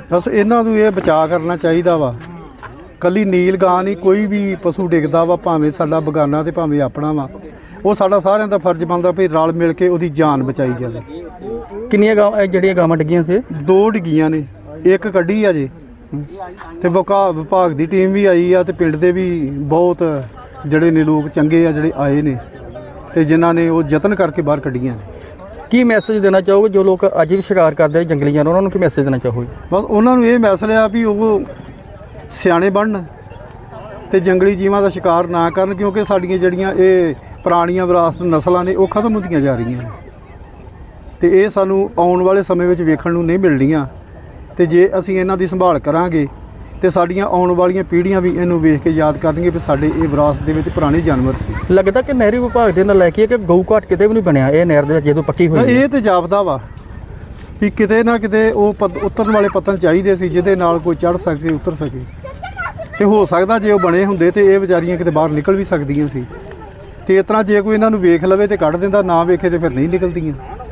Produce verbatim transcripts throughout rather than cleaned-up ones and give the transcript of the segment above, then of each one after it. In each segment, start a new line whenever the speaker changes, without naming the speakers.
बस इन्हां नूं ये बचा करना चाहिए वा। कली नील गां नहीं, कोई भी पशु डिगदा वा, भावें साडा बगाना ते भावें अपना वा, वो साडा सारिਆਂ ਦਾ फर्ज बनता भी रल मिल के ਉਹਦੀ जान बचाई जाए।
किन्नियां गां ਜਿਹੜੀਆਂ ਗਾਵਾਂ ਡਿੱਗੀਆਂ ਸੀ?
दो डिग्गियां ने, एक कड्ढी आ जे ते विभाग विभाग दी टीम भी आई आ ते पिंड दे भी बहुत ਜਿਹੜੇ ने लोग चंगे आ ਜਿਹੜੇ आए ने ते जिन्हां ने वो यतन करके बाहर कड्ढियां ने।
ਕੀ ਮੈਸੇਜ ਦੇਣਾ ਚਾਹੋਗੇ ਜੋ ਲੋਕ ਅੱਜ ਵੀ ਸ਼ਿਕਾਰ ਕਰਦੇ ਜੰਗਲੀ ਜਾਨਵਰ, ਉਹਨਾਂ ਨੂੰ ਕੀ ਮੈਸੇਜ ਦੇਣਾ ਚਾਹੋਗੇ?
ਬਸ ਉਹਨਾਂ ਨੂੰ ਇਹ ਮੈਸੇਜ ਆ ਵੀ ਉਹ ਸਿਆਣੇ ਬਣਨ ਤੇ ਜੰਗਲੀ ਜੀਵਾਂ ਦਾ ਸ਼ਿਕਾਰ ਨਾ ਕਰਨ, ਕਿਉਂਕਿ ਸਾਡੀਆਂ ਜਿਹੜੀਆਂ ਇਹ ਪੁਰਾਣੀਆਂ ਵਿਰਾਸਤ ਨਸਲਾਂ ਨੇ ਉਹ ਖਤਮ ਹੁੰਦੀਆਂ ਜਾ ਰਹੀਆਂ ਨੇ ਤੇ ਇਹ ਸਾਨੂੰ ਆਉਣ ਵਾਲੇ ਸਮੇਂ ਵਿੱਚ ਵੇਖਣ ਨੂੰ ਨਹੀਂ ਮਿਲਣੀਆਂ। ਤੇ ਜੇ ਅਸੀਂ ਇਹਨਾਂ ਦੀ ਸੰਭਾਲ ਕਰਾਂਗੇ ਤੇ ਸਾਡੀਆਂ ਆਉਣ ਵਾਲੀਆਂ ਪੀੜ੍ਹੀਆਂ ਵੀ ਇਹਨੂੰ ਵੇਖ ਕੇ ਯਾਦ ਕਰਨਗੇ ਵੀ ਸਾਡੇ ਇਹ ਵਿਰਾਸਤ ਦੇ ਵਿੱਚ ਪੁਰਾਣੇ ਜਾਨਵਰ ਸੀ।
ਲੱਗਦਾ ਕਿ ਨਹਿਰੀ ਵਿਭਾਗ ਦੇ ਨਾਲ ਲੈ ਕੇ ਕਿ ਗਊ ਘਾਟ ਕਿਤੇ ਵੀ ਨਹੀਂ ਬਣਿਆ ਇਹ ਨਹਿਰ ਦੇ ਜਦੋਂ ਪੱਕੀ ਹੋਈ?
ਇਹ ਤੇ ਜਾਪਦਾ ਵਾ ਵੀ ਕਿਤੇ ਨਾ ਕਿਤੇ ਉਹ ਉਤਰਨ ਵਾਲੇ ਪੱਤਨ ਚਾਹੀਦੇ ਸੀ ਜਿਹਦੇ ਨਾਲ ਕੋਈ ਚੜ੍ਹ ਸਕੇ, ਉਤਰ ਸਕੇ। ਤੇ ਹੋ ਸਕਦਾ ਜੇ ਉਹ ਬਣੇ ਹੁੰਦੇ ਤੇ ਇਹ ਵਿਚਾਰੀਆਂ ਕਿਤੇ ਬਾਹਰ ਨਿਕਲ ਵੀ ਸਕਦੀਆਂ ਸੀ। ਤੇ ਇਸ ਤਰ੍ਹਾਂ ਜੇ ਕੋਈ ਇਹਨਾਂ ਨੂੰ ਵੇਖ ਲਵੇ ਤੇ ਕੱਢ ਦਿੰਦਾ, ਨਾ ਵੇਖੇ ਤੇ ਫਿਰ ਨਹੀਂ ਨਿਕਲਦੀਆਂ।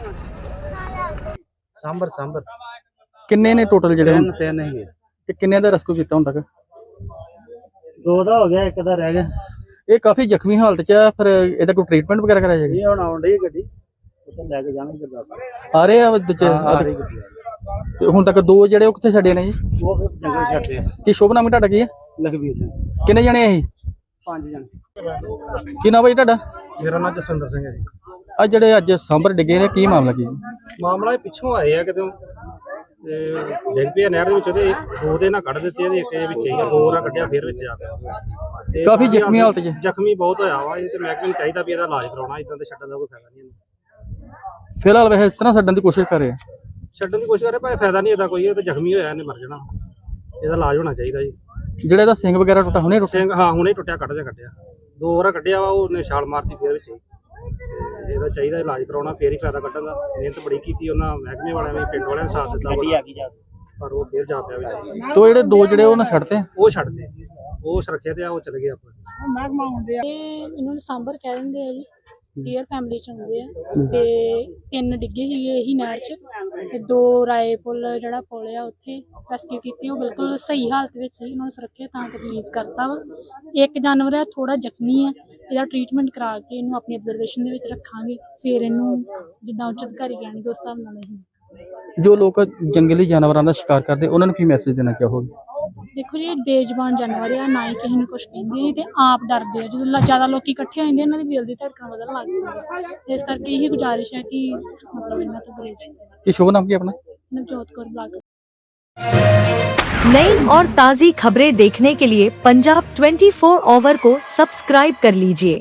ਸਾਂਬਰ ਸਾਂਬਰ
ਕਿੰਨੇ ਨੇ ਟੋਟਲ ਜਿਹੜੇ?
ਤਿੰਨ ਤਿੰਨ ਹੀ
ਤੇ ਕਿੰਨੇ ਦਾ ਰੈਸਕਿਊ ਕੀਤਾ ਹੁਣ ਤੱਕ?
ਦੋ ਦਾ ਹੋ ਗਿਆ, ਇੱਕ ਦਾ ਰਹਿ ਗਿਆ।
ਇਹ ਕਾਫੀ ਜ਼ਖਮੀ ਹਾਲਤ 'ਚ ਆ, ਫਿਰ ਇਹਦਾ ਕੋਈ ਟ੍ਰੀਟਮੈਂਟ ਵਗੈਰਾ ਕਰਾਇਆ ਜਾਏਗਾ?
ਇਹ ਹੁਣ ਆਉਣ ਡਈ ਗੱਡੀ, ਉੱਥੇ ਲੈ ਕੇ ਜਾਣਗੇ ਗੁਰਦਾਸਪੁਰ।
ਆ ਰਹੇ ਆ ਦੂਜੇ
ਆ ਰਹੀ ਗੱਡੀ
ਤੇ ਹੁਣ ਤੱਕ ਦੋ ਜਿਹੜੇ ਉਹ ਕਿੱਥੇ ਛੱਡੇ ਨੇ ਜੀ?
ਉਹ ਫਿਰ ਜੰਗਲ ਛੱਡਦੇ ਆ।
ਕੀ ਸ਼ੁਭ ਨਾਮ ਤੁਹਾਡਾ ਕੀ ਹੈ?
ਲਖਵੀਰ ਸਿੰਘ।
ਕਿੰਨੇ ਜਣੇ ਆ ਇਹ?
ਪੰਜ ਜਣੇ।
ਕੀ ਨਾਮ ਹੈ ਜੀ ਤੁਹਾਡਾ?
ਮੇਰਾ ਨਾਮ ਜਸਵਿੰਦਰ ਸਿੰਘ ਹੈ ਜੀ।
ਆ ਜਿਹੜੇ ਅੱਜ ਸਾਂਭਰ ਡਿੱਗੇ ਨੇ, ਕੀ ਮਾਮਲਾ ਕੀ?
ਮਾਮਲਾ ਇਹ ਪਿੱਛੋਂ ਆਏ ਆ ਕਿਤੇ ਤੇ ਡਿੱਗ ਪਿਆ ਨਹਿਰ ਦੇ ਵਿੱਚ, ਉਹਦੇ ਦੋ ਦੇ ਨਾਲ ਕੱਢ ਦਿੱਤੇ, ਇਹਦੇ ਇੱਕ ਦੇ ਵਿੱਚ ਹੀ ਆ, ਦੋ ਨਾਲ ਕੱਢਿਆ ਫਿਰ ਵਿੱਚ ਆ ਗਿਆ ਤੇ
ਕਾਫੀ ਜ਼ਖਮੀ ਹਾਲਤ 'ਚ?
ਜ਼ਖਮੀ ਬਹੁਤ ਹੋਇਆ ਵਾ। ਇਹ ਤੇ ਮਹਿਕਮੇ ਨੂੰ ਚਾਹੀਦਾ ਵੀ ਇਹਦਾ ਇਲਾਜ ਕਰਾਉਣਾ, ਇਦਾਂ ਤੇ ਛੱਡਣ ਦਾ ਕੋਈ ਫਾਇਦਾ ਨਹੀਂ ਇਹਨੂੰ।
ਫਿਲਹਾਲ ਵੈਸੇ ਇਸ ਤਰ੍ਹਾਂ ਛੱਡਣ ਦੀ ਕੋਸ਼ਿਸ਼ ਕਰ ਰਹੇ ਆ?
ਛੱਡਣ ਦੀ ਕੋਸ਼ਿਸ਼ ਕਰੇ ਭਾਵੇਂ ਫਾਇਦਾ ਨਹੀਂ ਇਹਦਾ ਕੋਈ, ਇਹ ਤਾਂ ਜ਼ਖਮੀ ਹੋਇਆ, ਇਹਨੇ ਮਰ ਜਾਣਾ, ਇਹਦਾ ਇਲਾਜ ਹੋਣਾ ਚਾਹੀਦਾ ਜੀ।
ਜਿਹੜਾ ਇਹਦਾ ਸਿੰਘ ਵਗੈਰਾ ਟੁੱਟਾ ਹੁਣੇ ਟੁੱਟਿਆ?
ਸਿੰਘ ਹਾਂ ਹੁਣੇ ਟੁੱਟਿਆ, ਕੱਢ ਦੇ ਕੱਢਿਆ, ਦੋ ਵਾਰ ਕੱਢਿਆ ਵਾ, ਉਹਨੇ ਛਾਲ ਮਾਰਤੀ ਫਿਰ ਵਿੱਚ ਹੀ। ਤੇ ਇਹਦਾ ਚਾਹੀਦਾ ਇਲਾਜ ਕਰਾਉਣਾ, ਫੇਰ ਹੀ ਫਾਇਦਾ ਕੱਢਣ ਦਾ। ਮਿਹਨਤ ਬੜੀ ਕੀਤੀ ਉਹਨਾਂ ਮਹਿਕਮੇ ਵਾਲਿਆਂ ਨੇ, ਪਿੰਡ ਵਾਲਿਆਂ ਨੇ ਸਾਥ ਦਿੱਤਾ ਪਰ ਉਹ ਫੇਰ ਜਾ ਪਿਆ ਵਿੱਚ।
ਤੋ ਜਿਹੜੇ ਦੋ ਜਿਹੜੇ ਉਹਨਾਂ ਛੱਡਤੇ?
ਉਹ ਛੱਡਦੇ, ਉਹ ਸੁਰੱਖਿਆ ਤੇ ਆ, ਉਹ ਚਲੇ ਗਏ ਆਪਾਂ।
ਇਹ ਇਹਨੂੰ ਸਾਂਬਰ ਕਹਿ ਦਿੰਦੇ ਆ ਜੀ, ਡੀਅਰ ਫੈਮਿਲੀ ਚ ਹੁੰਦੇ ਆ। ਤੇ ਤਿੰਨ ਡਿੱਗੇ ਸੀਗੇ ਇਹੀ ਨਹਿਰ ਚ, ਤੇ ਦੋ ਰਾਏ ਪੁੱਲ ਜਿਹੜਾ ਪੁੱਲ ਆ ਉੱਥੇ ਰੈਸਕਿਊ ਕੀਤੀ, ਉਹ ਬਿਲਕੁਲ ਸਹੀ ਹਾਲਤ ਵਿੱਚ ਸੀ, ਉਹਨਾਂ ਨੂੰ ਸੁਰੱਖਿਆ ਤਾਂ ਤੱਕ ਰਿਲੀਜ਼ ਕਰਤਾ ਵਾ। ਇੱਕ ਜਾਨਵਰ ਆ ਥੋੜਾ ਜ਼ਖਮੀ ਆ, ਇਹਦਾ ਟ੍ਰੀਟਮੈਂਟ ਕਰਾ ਕੇ ਇਹਨੂੰ ਆਪਣੀ ਅਬਜ਼ਰਵੇਸ਼ਨ ਦੇ ਵਿੱਚ ਰੱਖਾਂਗੇ, ਫਿਰ ਇਹਨੂੰ ਜਿੱਦਾਂ ਉੱਚ ਅਧਿਕਾਰੀ ਕਹਿਣਗੇ ਉਸ ਹਿਸਾਬ ਨਾਲ ਅਸੀਂ।
ਜੋ ਲੋਕ ਜੰਗਲੀ ਜਾਨਵਰਾਂ ਦਾ ਸ਼ਿਕਾਰ ਕਰਦੇ ਉਹਨਾਂ ਨੂੰ ਕੀ ਮੈਸੇਜ ਦੇਣਾ ਚਾਹੋਗੇ?
ਦੇਖੋ ਜੀ, ਇਹ ਬੇਜ਼ੁਬਾਨ ਜਾਨਵਰ ਆ, ਨਾ ਹੀ ਕਿਸੇ ਨੂੰ ਕੁਛ ਕਹਿੰਦੇ ਤੇ ਆਪ ਡਰਦੇ ਆ। ਜਦੋਂ ਜ਼ਿਆਦਾ ਲੋਕੀ ਇਕੱਠੇ ਹੋ ਜਾਂਦੇ ਇਹਨਾਂ ਦੀ ਦਿਲ ਦੀ ਧੜਕਣ ਵਧਣ ਲੱਗ ਜਾਂਦੀ, ਇਸ ਕਰਕੇ ਇਹੀ ਗੁਜ਼ਾਰਿਸ਼ ਹੈ ਕਿ ਮਤਲਬ ਇਹਨਾਂ ਤੋਂ ਗੁਰੇਜ਼।
ਕੀ ਸ਼ੁਭ ਨਾਮ ਕੀ ਆਪਣਾ?
ਨਵਜੋਤ ਕੌਰ ਬਲਾਕ।
नई और ताज़ी खबरें देखने के लिए पंजाब ट्वेंटी फोर आवर को सब्सक्राइब कर लीजिए।